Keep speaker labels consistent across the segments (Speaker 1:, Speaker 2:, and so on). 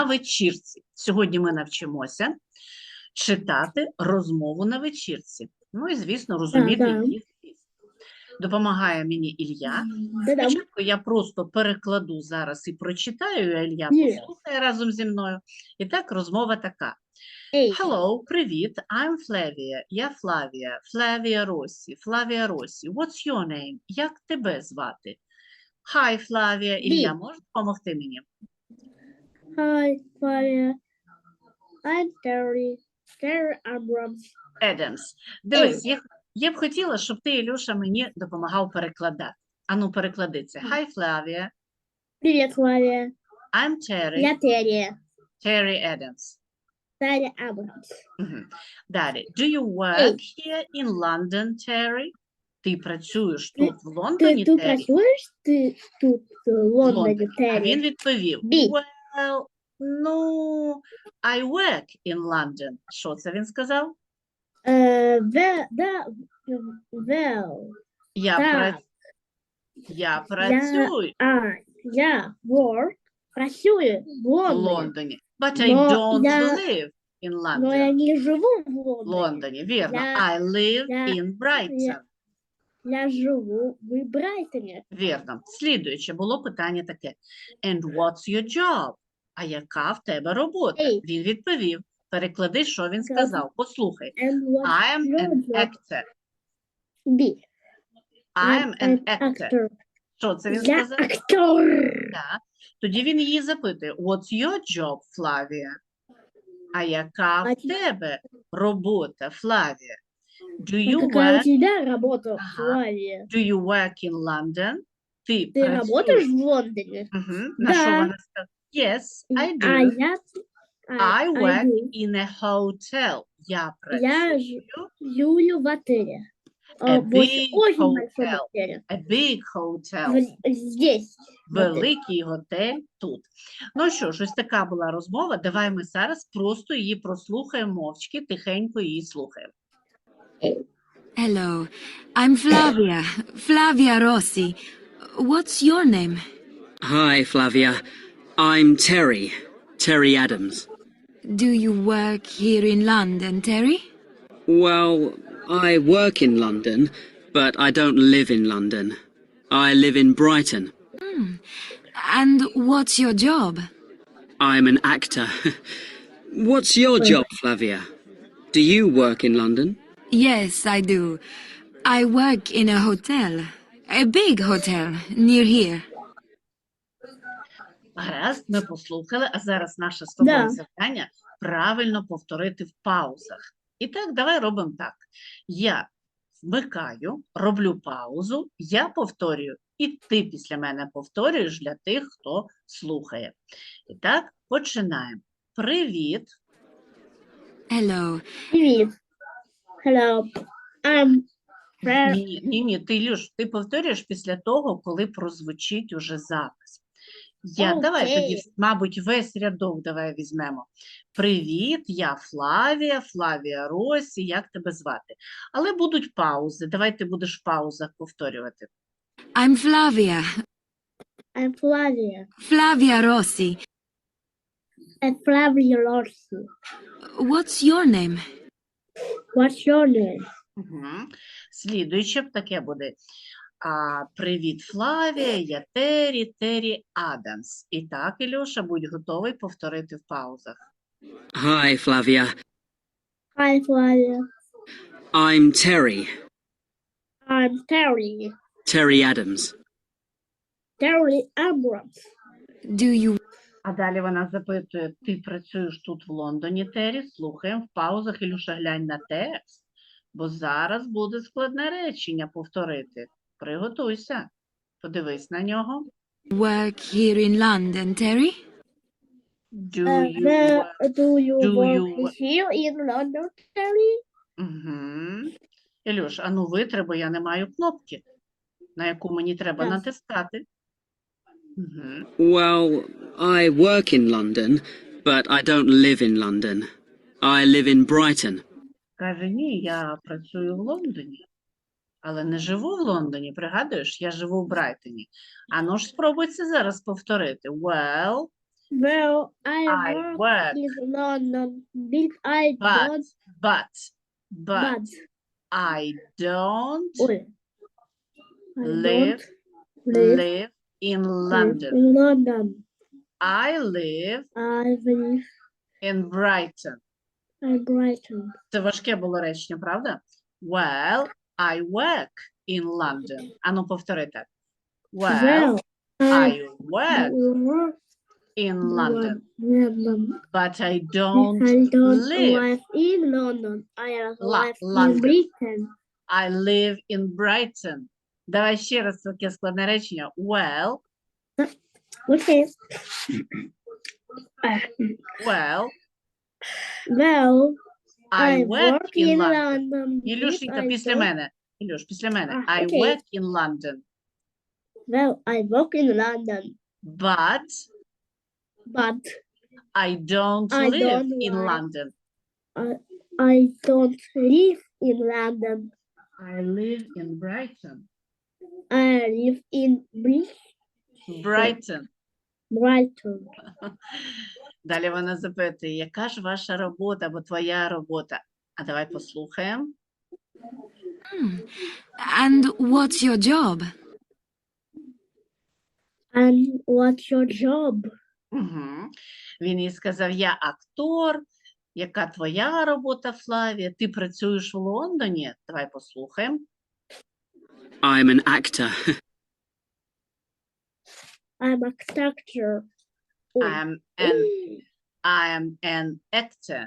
Speaker 1: на вечірці. Сьогодні ми навчимося читати розмову на вечірці. Ну і, звісно, розуміти її зміст. Допомагає мені Ілля. Спочатку я просто перекладу зараз і прочитаю, а Ілля послухає разом зі мною. І так, розмова така. Hello, привіт, I'm Flavia. Я Флавія. Флавія Росі. Флавія Росі. What's your name? Як тебе звати? Hi, Флавія. Ілля, можеш допомогти мені?
Speaker 2: Hi, Flavia. I'm Terry. Terry Abrams.
Speaker 1: Adams. Дивись, я б хотіла, щоб ти, Ілюша, мені допомагав перекладати. Ану, переклади це. Hi, Flavia.
Speaker 2: Привет, Флавия.
Speaker 1: I'm Terry.
Speaker 2: Я Терри.
Speaker 1: Terry Adams.
Speaker 2: Терри Абрамс.
Speaker 1: Далі. Do you work here in London, Terry? Ти працюєш тут, в Лондоні,
Speaker 2: Ти
Speaker 1: Террі?
Speaker 2: працюєш тут в
Speaker 1: В
Speaker 2: Лондоні,
Speaker 1: А він
Speaker 2: Терри?
Speaker 1: відповів,
Speaker 2: Бі.
Speaker 1: well, no, I work in London. Що це він сказав?
Speaker 2: Well.
Speaker 1: Я
Speaker 2: Так.
Speaker 1: працюю
Speaker 2: Я працюю в
Speaker 1: в
Speaker 2: Лондоні.
Speaker 1: Лондоні. But I
Speaker 2: Но
Speaker 1: don't
Speaker 2: я-
Speaker 1: live in
Speaker 2: Но я
Speaker 1: London.
Speaker 2: не живу в
Speaker 1: В
Speaker 2: Лондоні.
Speaker 1: Лондоні, вірно.
Speaker 2: Я-
Speaker 1: I live
Speaker 2: я-
Speaker 1: in Brighton.
Speaker 2: Я живу в Брайтоні.
Speaker 1: Вірно. Слідуюче було питання таке. And what's your job? А яка в тебе робота?
Speaker 2: Ей.
Speaker 1: Він відповів. Переклади, що він сказав. Послухай.
Speaker 2: And what's
Speaker 1: I am
Speaker 2: your
Speaker 1: an
Speaker 2: job?
Speaker 1: actor.
Speaker 2: B.
Speaker 1: I am an actor.
Speaker 2: actor.
Speaker 1: Що це він
Speaker 2: Я
Speaker 1: сказав?
Speaker 2: актор.
Speaker 1: Так. Тоді він її запитує. What's your job, Флавія? А яка в тебе робота, Флавія? Do you
Speaker 2: Какая у
Speaker 1: work,
Speaker 2: тебя работа,
Speaker 1: Ага.
Speaker 2: Флавия?
Speaker 1: do you work in London? Ти
Speaker 2: Ты
Speaker 1: працюєш?
Speaker 2: работаешь в Лондоне?
Speaker 1: На що
Speaker 2: Да.
Speaker 1: вона сказала? Yes, I
Speaker 2: А
Speaker 1: do.
Speaker 2: я...
Speaker 1: I work
Speaker 2: do.
Speaker 1: in a hotel. Я
Speaker 2: Я
Speaker 1: працюю
Speaker 2: живу в отеле.
Speaker 1: A
Speaker 2: В
Speaker 1: big
Speaker 2: очень большом
Speaker 1: hotel.
Speaker 2: отеле.
Speaker 1: a big hotel.
Speaker 2: Здесь. в отеле.
Speaker 1: Великий готель тут. Ну що ж, ось така була розмова. Давай ми зараз просто її прослухаємо мовчки, тихенько її слухаємо.
Speaker 3: Hello, I'm Flavia. Flavia Rossi. What's your name?
Speaker 4: Hi, Flavia. I'm Terry. Terry Adams.
Speaker 3: Do you work here in London, Terry?
Speaker 4: Well, I work in London, but I don't live in London. I live in Brighton.
Speaker 3: And what's your job?
Speaker 4: I'm an actor. What's your job, Flavia? Do you work in London?
Speaker 3: Yes, I do. I work in a hotel. A big hotel near here.
Speaker 1: Гаразд, ми послухали, а зараз наше з тобою
Speaker 2: Да.
Speaker 1: завдання правильно повторити в паузах. І так, давай робимо так. Я вмикаю, роблю паузу, я повторюю, і ти після мене повторюєш для тих, хто слухає. І так, починаємо. Привіт.
Speaker 3: Hello,
Speaker 2: Привет. Hello. I'm Fred.
Speaker 1: Ні, ти, Ілюш, ти повторюєш після того, коли прозвучить уже запис. Давай тоді,
Speaker 2: Окей.
Speaker 1: мабуть, весь рядок давай візьмемо. Привіт, я Флавія, Флавія Росі, як тебе звати? Але будуть паузи, давай ти будеш в паузах повторювати.
Speaker 3: I'm Flavia.
Speaker 2: I'm Flavia.
Speaker 3: Flavia Rossi.
Speaker 2: I'm Flavia Rossi.
Speaker 3: What's your name?
Speaker 2: What's your name?
Speaker 1: Угу. Слідуюче таке буде. Привіт, Флавія, я Террі Адамс. І так, Ілюша, будь готовий повторити в паузах.
Speaker 4: Hi, Flavia.
Speaker 2: Hi, Flavia.
Speaker 4: I'm Terry.
Speaker 2: I'm Terry.
Speaker 4: Terry Adams.
Speaker 2: Terry Abrams.
Speaker 3: Do you
Speaker 1: А далі вона запитує, ти працюєш тут в Лондоні, Террі? Слухаємо в паузах, Ілюша, глянь на текст, бо зараз буде складне речення повторити. Приготуйся, подивись на нього.
Speaker 3: work here in London, Terry?
Speaker 1: Do you work?
Speaker 2: Do you
Speaker 1: do
Speaker 2: work
Speaker 1: you wo-
Speaker 2: here in London, Terry?
Speaker 1: Угу. Ілюш, а ну витри, бо я не маю кнопки, на яку мені треба
Speaker 2: Так.
Speaker 1: натискати. Угу.
Speaker 4: Well, I work in London, but I don't live in London. I live in Brighton.
Speaker 1: Каже, ні, я працюю в Лондоні, але не живу в Лондоні, пригадуєш, я живу в Брайтоні. А ну ж спробуй це зараз повторити. Well,
Speaker 2: Well, I
Speaker 1: I
Speaker 2: work
Speaker 1: work,
Speaker 2: in London, but
Speaker 1: but I don't
Speaker 2: I
Speaker 1: live
Speaker 2: don't
Speaker 1: live in
Speaker 2: live
Speaker 1: London.
Speaker 2: in London.
Speaker 1: I live
Speaker 2: I live
Speaker 1: in Brighton.
Speaker 2: in Brighton.
Speaker 1: Це важке було речення, правда? Well, I work in London. Ану, повтори так. Well, I work
Speaker 2: work
Speaker 1: in London,
Speaker 2: in London.
Speaker 1: but I
Speaker 2: I
Speaker 1: don't
Speaker 2: don't
Speaker 1: live.
Speaker 2: live in London. I live
Speaker 1: London.
Speaker 2: in Britain.
Speaker 1: I live in Brighton. Давай ще раз таке складне речення. Well,
Speaker 2: Okay.
Speaker 1: well,
Speaker 2: Well,
Speaker 1: I work in London.
Speaker 2: London.
Speaker 1: Ілюшенька,
Speaker 2: but I
Speaker 1: після
Speaker 2: don't-
Speaker 1: мене. Ілюш, після мене. I
Speaker 2: окей.
Speaker 1: work in London,
Speaker 2: Well, I work in London,
Speaker 1: but
Speaker 2: but
Speaker 1: I don't
Speaker 2: I
Speaker 1: live
Speaker 2: don't
Speaker 1: in
Speaker 2: live.
Speaker 1: London.
Speaker 2: I don't live in London.
Speaker 1: I live in Brighton.
Speaker 2: I live in
Speaker 1: Brighton.
Speaker 2: Brighton.
Speaker 1: Далі вона запитує, яка ж ваша робота або твоя робота? А давай послухаємо.
Speaker 3: And what's your job?
Speaker 2: And what's your job?
Speaker 1: Угу. Він їй сказав, я актор. Яка твоя робота, Флавія? Ти працюєш в Лондоні? Давай послухаємо.
Speaker 4: I'm an actor.
Speaker 2: I'm a actor.
Speaker 1: I am an actor.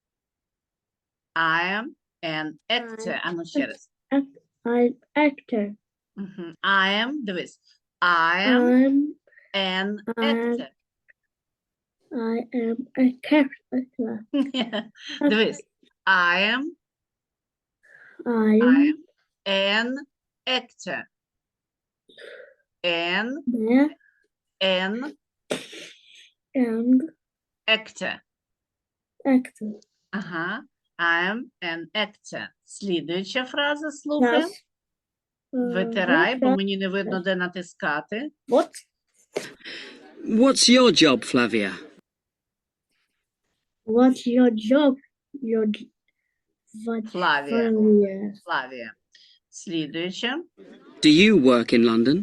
Speaker 1: I am an actor. А ну ще раз.
Speaker 2: I'm actor.
Speaker 1: Угу. I am, дивись. I am an actor.
Speaker 2: I am a character.
Speaker 1: Дивись. I am
Speaker 2: I
Speaker 1: an actor. An
Speaker 2: am
Speaker 1: actor.
Speaker 2: actor.
Speaker 1: Ага. I am an actor. Слідуюча фраза, слухай.
Speaker 2: Yes.
Speaker 1: Витирай, бо мені не видно, де натискати.
Speaker 2: What?
Speaker 4: What's your job, Flavia?
Speaker 2: What's your job?
Speaker 1: Флавія.
Speaker 2: Flavia.
Speaker 1: Флавія. Слідуюча.
Speaker 4: Do you work in London?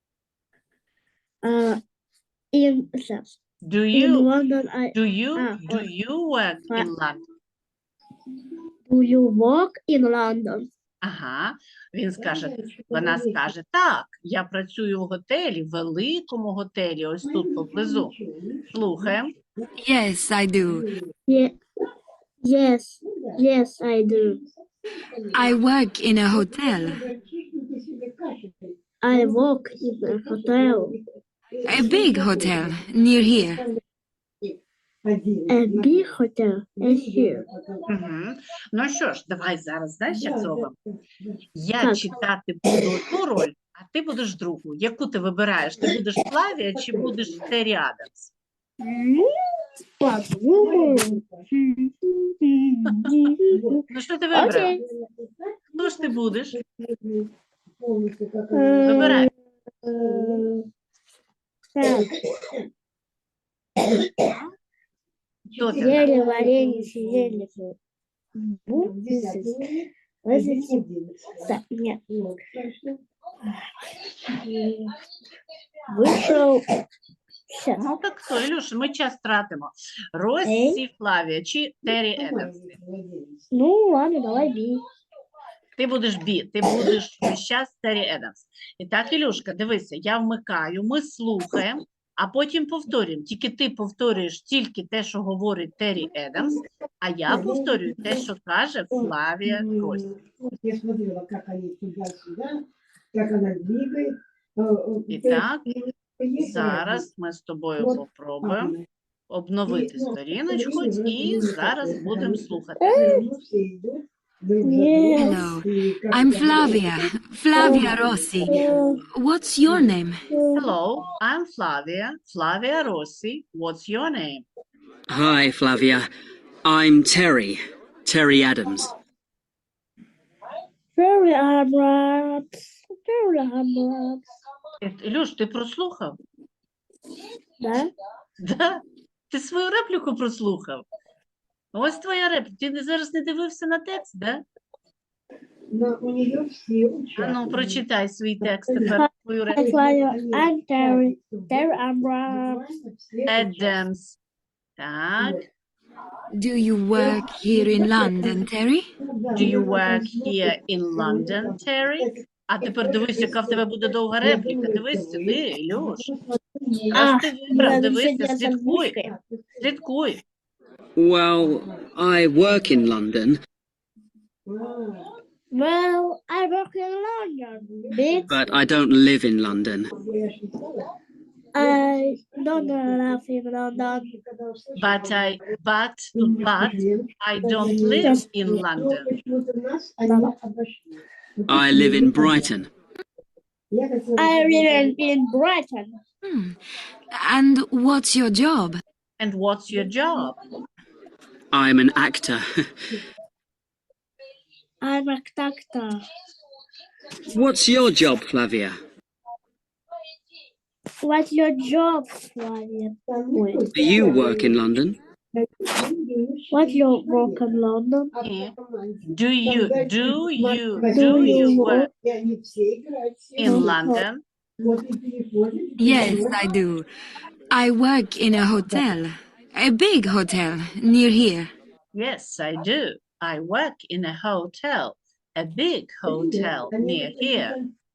Speaker 2: In
Speaker 1: Do you
Speaker 2: London,
Speaker 1: do you work
Speaker 2: Ah.
Speaker 1: in London?
Speaker 2: do you work in London?
Speaker 1: Ага. Він скаже, вона скаже, так, я працюю в готелі, великому готелі, ось тут поблизу. Слухаємо.
Speaker 3: Yes, I do.
Speaker 2: Yes, I do.
Speaker 3: I work in a hotel.
Speaker 2: I work in a hotel.
Speaker 3: A big hotel near here.
Speaker 2: A big hotel is here.
Speaker 1: Угу. Ну що ж, давай зараз, знаєш, як зробимо? Я
Speaker 2: Так.
Speaker 1: читати буду одну роль, а ти будеш другу. Яку ти вибираєш? Ти будеш Флавія чи будеш Террі Адамс?
Speaker 2: Подумаем.
Speaker 1: Ну що ти вибрав?
Speaker 2: Окей.
Speaker 1: Хто ж ти будеш? Вибирай.
Speaker 2: Так,
Speaker 1: Хто ти?
Speaker 2: зелье, варенье, зелье. Так, нет. Вышел. Сейчас.
Speaker 1: Ну так хто, Ілюш, ми час тратимо. Россі Флавія чи Террі Адамс?
Speaker 2: Ну, ладно, давай бей.
Speaker 1: Ти будеш ти будеш весь час Террі Адамс. І так, Ілюшка, дивися, я вмикаю, ми слухаємо, а потім повторюємо. Тільки ти повторюєш тільки те, що говорить Террі Адамс, а я повторюю те, що каже Флавія Россі.
Speaker 5: Я смотрела, как они туда-сюда, как она двигает.
Speaker 1: І так, зараз ми з тобою попробуємо обновити сторіночку і зараз будемо слухати.
Speaker 3: Hello, I'm Flavia. Flavia Rossi. What's your name?
Speaker 1: Hello, I'm Flavia. Flavia Rossi. What's your name?
Speaker 4: Hi, Flavia. I'm Terry. Terry Adams.
Speaker 2: Very Arabs. Very Arabs.
Speaker 1: Ілюш, ти прослухав?
Speaker 2: Да?
Speaker 1: Да? Ти свою репліку прослухав? Ось твоя репліка. Ти зараз не дивився на текст, да?
Speaker 5: У нее все
Speaker 1: А ну,
Speaker 5: участвуют.
Speaker 1: прочитай свій текст тепер, твою
Speaker 2: I
Speaker 1: репліку.
Speaker 2: fly. I'm Terry. There I'm Rob.
Speaker 1: Adams. Так.
Speaker 3: Do you work here in London, Terry?
Speaker 1: Do you work here in London, Terry? А тепер дивись, яка в тебе буде довга репліка. Дивись сюди, Ілюш. Раз ти вибрав,
Speaker 2: надо
Speaker 1: дивися,
Speaker 2: сидеть за
Speaker 1: слідкуй.
Speaker 2: мышкой.
Speaker 1: Слідкуй.
Speaker 4: Well, I work in London,
Speaker 2: Well, I work in London, bitch.
Speaker 4: but I don't live in London.
Speaker 2: I don't live in London.
Speaker 1: But I don't live in London.
Speaker 4: I live in Brighton.
Speaker 2: I live in Brighton.
Speaker 3: Hmm. And what's your job?
Speaker 1: And what's your job?
Speaker 4: I'm an actor.
Speaker 2: I'm a doctor.
Speaker 4: What's your job, Flavia?
Speaker 2: What's your job, Flavia?
Speaker 4: Do you work in London?
Speaker 2: What's your work in London?
Speaker 1: Do you work in London?
Speaker 3: Yes, I do. I work in a hotel. A big hotel near here.
Speaker 1: Yes, I do. I work in a hotel, a big hotel near here.